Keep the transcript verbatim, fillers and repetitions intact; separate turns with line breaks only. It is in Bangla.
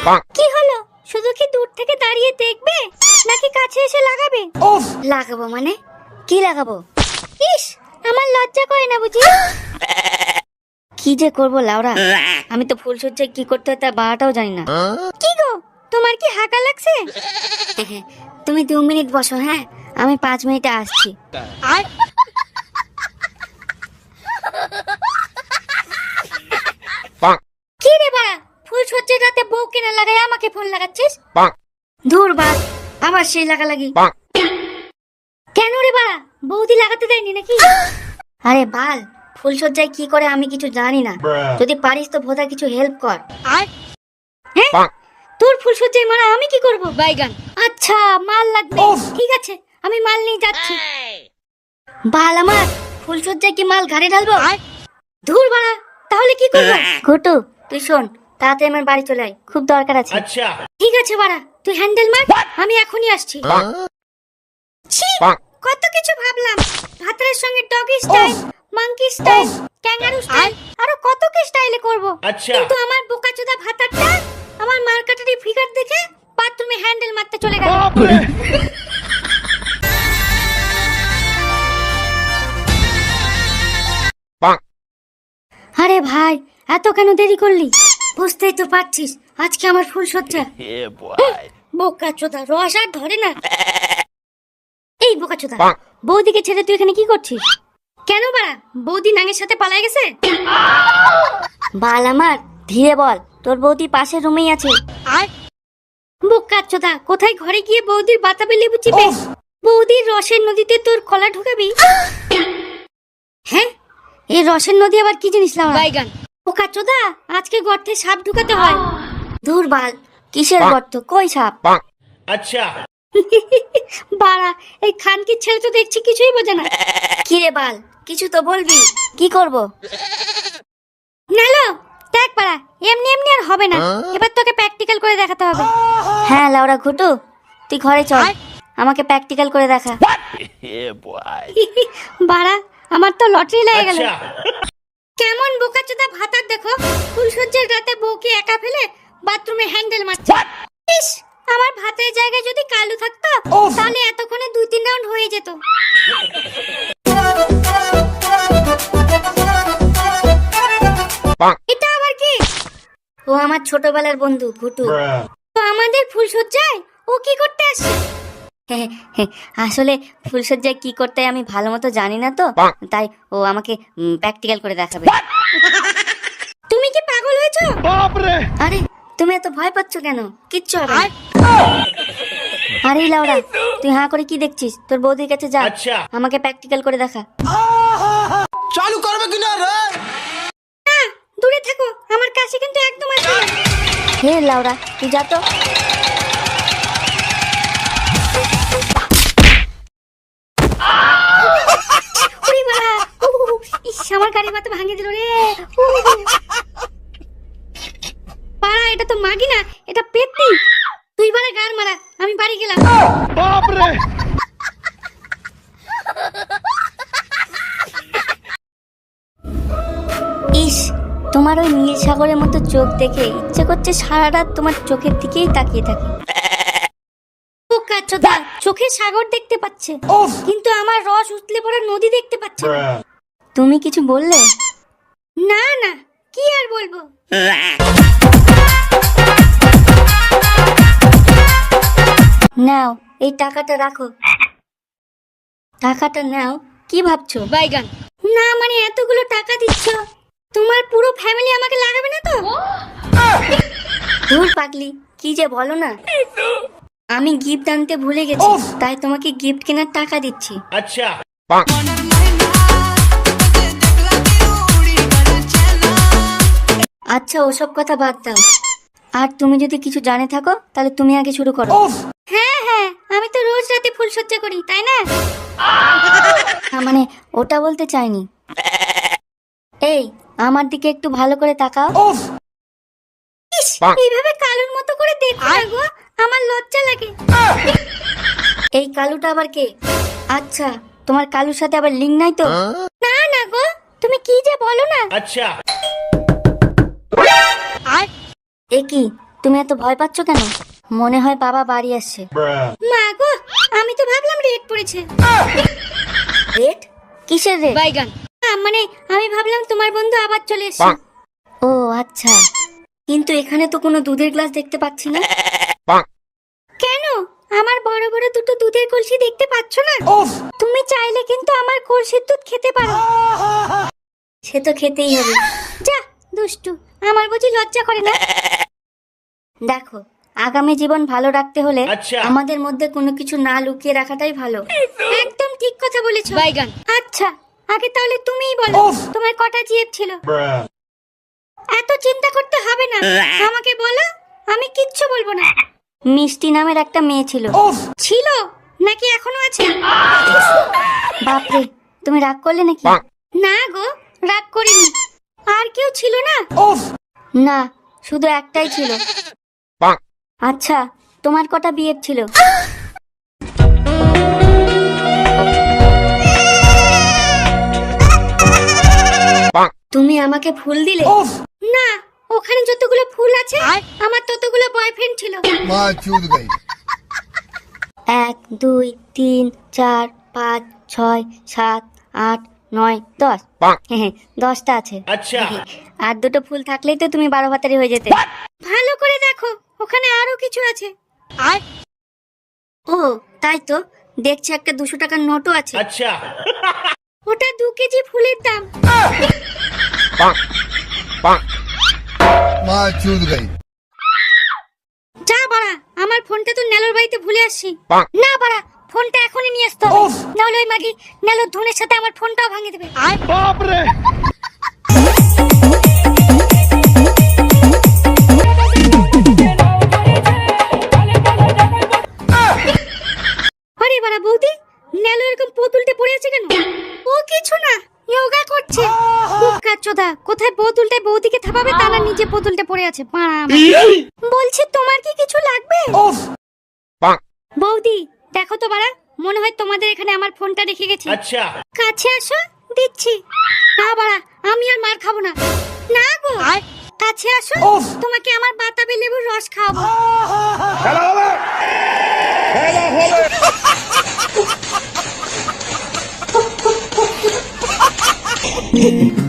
কি হলো? শুধু কি দূর থেকে দাঁড়িয়ে দেখবে নাকি কাছে এসে লাগাবে? লাগাবো মানে কি লাগাবো? ইস, আমার লজ্জা করে না বুঝি? কি যে করবো লাউরা, আমি তো ফুলসজ্জায় কি করতে হয় তা বাটাও জানি না। কি গো, তোমার কি হাঁকা লাগছে? তুমি দু মিনিট বসো, হ্যাঁ আমি পাঁচ মিনিটে আসছি। কি রে বাড়া, ফুলসজ্জার রাতে বউ কেনা লাগাই আমাকে ফোন লাগাচ্ছিস? ধুর বাল, আবার সেই লাগালাগি। কেন রে বাড়া, বৌদি লাগাতে দেয়নি নাকি? আরে বাল, ফুলসজ্জায় কি করে আমি কিছু জানি না, যদি পারিস তো ভোদা কিছু হেল্প কর। হ্যাঁ, তোর ফুলসজ্জায় মারা আমি কি করব? বাইগান। আচ্ছা, মাল লাগবে, ঠিক আছে আমি মাল নিয়ে যাচ্ছি। বাল আমার, ফুলসজ্জায় কি মাল ঘাড়ে ঢালবো? ধুর বাড়া, তাহলে কি করবো? ঘটু তুই শোন, তাড়াতাড়ি আমার বাড়ি চলে আয়, খুব দরকার আছে।
আচ্ছা
ঠিক আছে বাড়া, তুই হ্যান্ডেল মার, আমি এখনই আসছি। ছি, কত কিছু ভাবলাম, ভাতের সঙ্গে doggy style, monkey style, kangaroo style, আরো কত কি স্টাইলে করব।
আচ্ছা।
কিন্তু আমার বোকাচোদা ভাতারটা আমার মার্কেটারি ফিগার দেখে বাথরুমে হ্যান্ডেল মারতে চলে গেল। আরে ভাই, এত কেন দেরি করলি? বুঝতেই তো পারছিস আজকে আমার ফুলসজ্জা। বোকাচোদা, রস আর ধরে না। এই বোকাচোদা, বৌদিকে ছেড়ে তুই এখানে কি করছিস? কেন বাড়া, বৌদি নাঙের সাথে পালায় গেছে? বাল আমার, ধীরে বল, তোর বৌদি পাশের রুমেই আছে। আর বোকাচোদা, কোথায় ঘরে গিয়ে বৌদির বাতাবে লেবু চিপে বৌদির রসের নদীতে তোর কলা ঢুকাবি? হ্যাঁ, এই রসের নদী আবার কি জিনিস না? বাইগান। বোকাচোদা, আজকে গর্তে সাপ ঢুকাতে হয়। ধুর বাল, কিসের গর্ত, কই সাপ?
আচ্ছা
বাড়া, এই খানকির ছেলে তো দেখছি কিছুই বোঝে না। কি রে বাল, কিছু তো বলবি, কি করব? নালো দেখ বাড়া, এমনি এমনি আর হবে না, এবার তোকে প্র্যাকটিক্যাল করে দেখাতে হবে। হ্যাঁ লাউরা ঘুটু, তুই ঘরে চল, আমাকে প্র্যাকটিক্যাল করে দেখা। বাড়া, আমার তো লটারি লেগে গেল। কেমন বোকাচোদা ভাতার দেখো, ফুলসজ্জার রাতে বউকে একা ফেলে বাথরুমে হ্যান্ডেল মারছে। ইস, আমার ভাতের জায়গায় যদি কালু থাকতো তাহলে এতক্ষণে দুই তিন রাউন্ড হয়ে যেত। এটা আবার কি? ও আমার ছোটবেলার বন্ধু ঘুটু। তো আমাদের ফুলসজ্জায় ও কি করতে আসছে? আসলে ফুলসজ্জায় কি করতে আমি ভালো মতো জানি না তো, তাই ও আমাকে প্র্যাকটিক্যাল করে দেখাবে। তুমি কি পাগল হয়েছো? আরে তুমি এত ভয় পাচ্ছ কেন? কিচ্ছু হবে না। আরে লাউড়া, তুই হাঁ করে কি দেখছিস? তোর বৌদির কাছে যা, আমাকে প্র্যাকটিক্যাল করে দেখা।
চালু করবে কিনা রে?
না, দূরে থাকো, আমার কাছে কিন্তু একদম আসবে না। হে লাউড়া, তুই যা তো। আমার গাড়ি মাথা ভাঙিয়ে দিল রে। পাড়া, এটা তো মাগি না, এটা পেতনি। তুই বারে গার মারা, আমি বাড়ি গেলাম। বাপ রে। ইস, তোমার ওই নীল সাগরের মতো চোখ দেখে ইচ্ছে করছে সারা রাত তোমার চোখের দিকেই তাকিয়ে থাকি। বোকাচোদা, চোখে সাগর দেখতে পাচ্ছে কিন্তু আমার রস উতলে পড়া নদী দেখতে পাচ্ছে না। তুমি কিছু বললে? না না, কি আর বলবো। নাও, এই টাকাটা রাখো। টাকাটা নাও। কি ভাবছো? বাইগান। না মানে এতগুলো টাকা দিচ্ছ, তোমার পুরো ফ্যামিলি আমাকে লাগাবে না তো? ধুর পাগলি, কি যে বলো না। আমি গিফট আনতে ভুলে গেছি, তাই তোমাকে গিফট কেনার টাকা দিচ্ছি।
আচ্ছা
আচ্ছা, ওসব কথা বাদ দাও। আর তুমি যদি কিছু জানে থাকো তাহলে তুমি আগে শুরু করো। হ্যাঁ হ্যাঁ, আমি তো রোজ রাতে ফুলসজ্জা করি, তাই না? মানে ওটা বলতে চাইনি। এই, আমার দিকে একটু ভালো করে তাকাও। ইস, এইভাবে কালুর মতো করে দেখো না গো, আমার লজ্জা লাগে। এই কালুটা আবার কে? আচ্ছা, তোমার কালুর সাথে আবার লিঙ্ক নাই তো? না না গো, তুমি কি যে বলো না।
আচ্ছা
এ কি, তুমি এত ভয় পাচ্ছ কেন? মনে হয় বাবা বাড়ি আসছে। মা গো, আমি তো ভাবলাম রেড পড়েছে। রেড? কিসের রেড? বাইগান। মানে আমি ভাবলাম তোমার বন্ধু আবার চলে এসেছে। ও আচ্ছা, কিন্তু এখানে তো কোনো দুধের গ্লাস দেখতে পাচ্ছি না। কেন? আমার বড় বড় দুটো দুধের কলসি দেখতে পাচ্ছ না? তুমি চাইলে কিন্তু আমার কলসির দুধ খেতে পারো। সে তো খেতেই হবে। যা দুষ্টু, আমার বুঝি লজ্জা করে না? দেখো, আগামী জীবন ভালো রাখতে হলে
আচ্ছা।
আমাদের মধ্যে কোনো কিছু না লুকিয়ে রাখাটাই ভালো। একদম ঠিক কথা বলেছো বাইগান। আচ্ছা, আগে তাহলে তুমিই বলো তোমার কটা জিভ ছিল? এত চিন্তা করতে হবে না, আমাকে বলো, আমি কিচ্ছু বলবো না। মিষ্টি নামের একটা মেয়ে ছিল। ছিল নাকি এখনো আছে? বাপরে, তুমি রাগ করলে নাকি? না গো, রাগ করিনি। আর কেউ ছিল না? না, শুধু একটাই ছিল। আচ্ছা, তোমার কটা বিয়ে ছিল? তুমি আমাকে ফুল দিলে? না, ওখানে যতগুলো ফুল আছে আমার ততগুলো বয়ফ্রেন্ড ছিল। এক দুই তিন চার পাঁচ ছয় সাত আট নয় দশ। হ্যাঁ, দশটা আছে।
আচ্ছা।
আর দুটো ফুল থাকলেই তো তুমি বারো ভাতারি হয়ে যেতে। ভালো করে দেখো, ওখানে আরো কিছু আছে। ও তাই তো, দেখছি একটা দুশো টাকার নোটও আছে।
अच्छा
ওটা দু কেজি ফুলের দাম। যা বাড়া, আমার ফোনটা তো নেলোর বাড়িতে ভুলে আসছি। না বাড়া, ফোনটা এখনই নিয়ে আসতে হবে, নাহলে ওই মাগি নেলোর ধনের সাথে আমার ফোনটাও ভাঙিয়ে দেবে।
बाप रे
আরে বাড়া বৌদি, নেলো এরকম পোতুলটে পড়ে আছে কেন? ও কিছু না, যোগা করছে। কুক্কা চোদা, কোথায় বোতুলটা বৌদিকে থাপাবে তা না নিজে পোতুলটে পড়ে আছে। বাড়া, বলছি তোমার কি কিছু লাগবে? বৌদি দেখো তো বাড়া, মনে হয় তোমাদের এখানে আমার ফোনটা রেখে গেছি।
अच्छा
কাছে আসো, দিচ্ছি। না বাড়া, আমি আর মার খাবো না। না গো, কাছে আসো, তোমাকে আমার বাতাবি লেবুর রস খাওয়াবো।
খেলা হবে খেলা হবে